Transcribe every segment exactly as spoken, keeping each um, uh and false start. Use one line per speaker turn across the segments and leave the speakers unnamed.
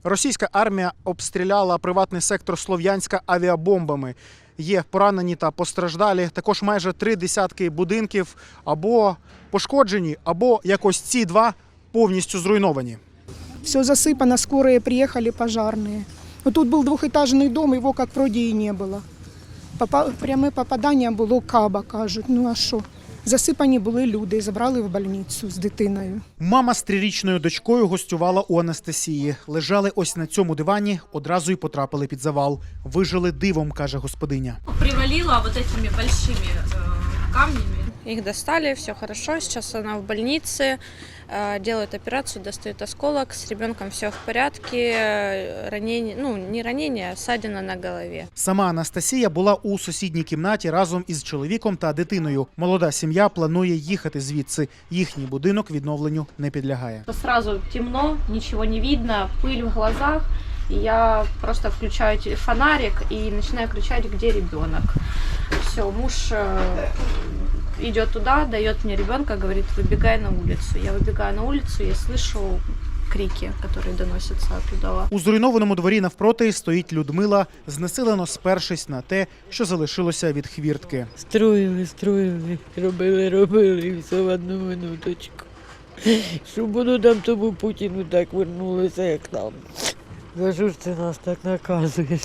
Російська армія обстріляла приватний сектор Слов'янська авіабомбами. Є поранені та постраждалі. Також майже три десятки будинків або пошкоджені, або якось ці два повністю зруйновані.
Все засыпано, скорые приехали, пожарные. Вот тут был двухэтажный дом, его как вроде и не было. Попа... Пряме попадання було каба, кажуть. Ну а що? Засипані були люди, забрали в больницю з дитиною.
Мама з трирічною дочкою гостювала у Анастасії. Лежали ось на цьому дивані, одразу й потрапили під завал. Вижили дивом, каже господиня.
Привалила вот этими большими э, камнями.
Их достали, все хорошо, сейчас она в больнице, делают операцию, достают осколок, с ребенком все в порядке, ранение, ну не ранение, а ссадина на голове.
Сама Анастасія була у сусідній кімнаті разом із чоловіком та дитиною. Молода сім'я планує їхати звідси. Їхній будинок відновленню не підлягає.
Сразу темно, ничего не видно, пыль в глазах. И я просто включаю фонарик и начинаю кричать, где ребенок. Все, муж идет туда, дает мне ребенка, говорит, выбегай на улицу. Я выбегаю на улицу, я слышу крики, которые доносятся оттуда.
У зруйнованому дворі навпроти стоїть Людмила, знесилено спершись на те, що залишилося від хвіртки.
Строїли, строїли, робили, робили і все в одну минуточку. Щоб воно там тому Путіну так вернулося, як там. За що ж ти нас так наказуєш?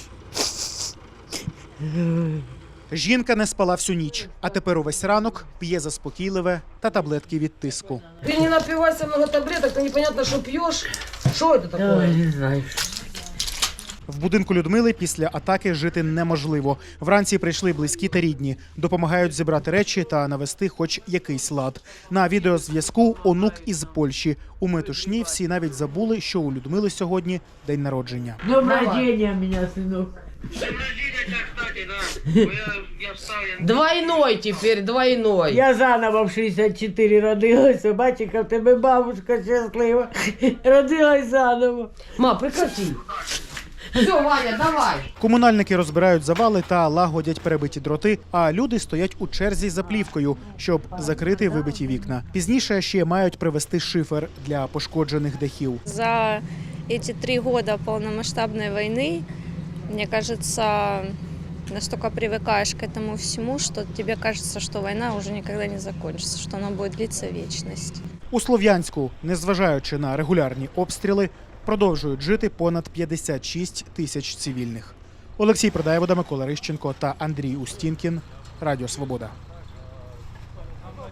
Жінка не спала всю ніч, а тепер увесь ранок п'є заспокійливе та таблетки від тиску.
Ты не напивайся много таблеток, ты непонятно, что пьешь. Что это
Я
такое?
не знаю.
В будинку Людмили після атаки жити неможливо. Вранці прийшли близькі та рідні. Допомагають зібрати речі та навести хоч якийсь лад. На відеозв'язку онук із Польщі. У метушні всі навіть забули, що у Людмили сьогодні день народження.
Днем рождения меня, сынок.
Двойной теперь, двойной.
Я заново в шістдесят чотири родилася, бачиш, в тебе бабушка щаслива. Родилась заново.
Ма, прекрати. Все, Ваня, давай.
Комунальники розбирають завали та лагодять перебиті дроти, а люди стоять у черзі за плівкою, щоб закрити вибиті вікна. Пізніше ще мають привезти шифер для пошкоджених дахів.
За эти три года полномасштабной войны, мне кажется, настолько привыкаешь к этому всему, что тебе кажется, что война уже никогда не закончится, что она будет длиться вечность.
У Слов'янську, незважаючи на регулярні обстріли, продовжують жити понад п'ятдесят шість тисяч цивільних. Олексій Продаєвода, Микола Рищенко та Андрій Устінкін. Радіо Свобода.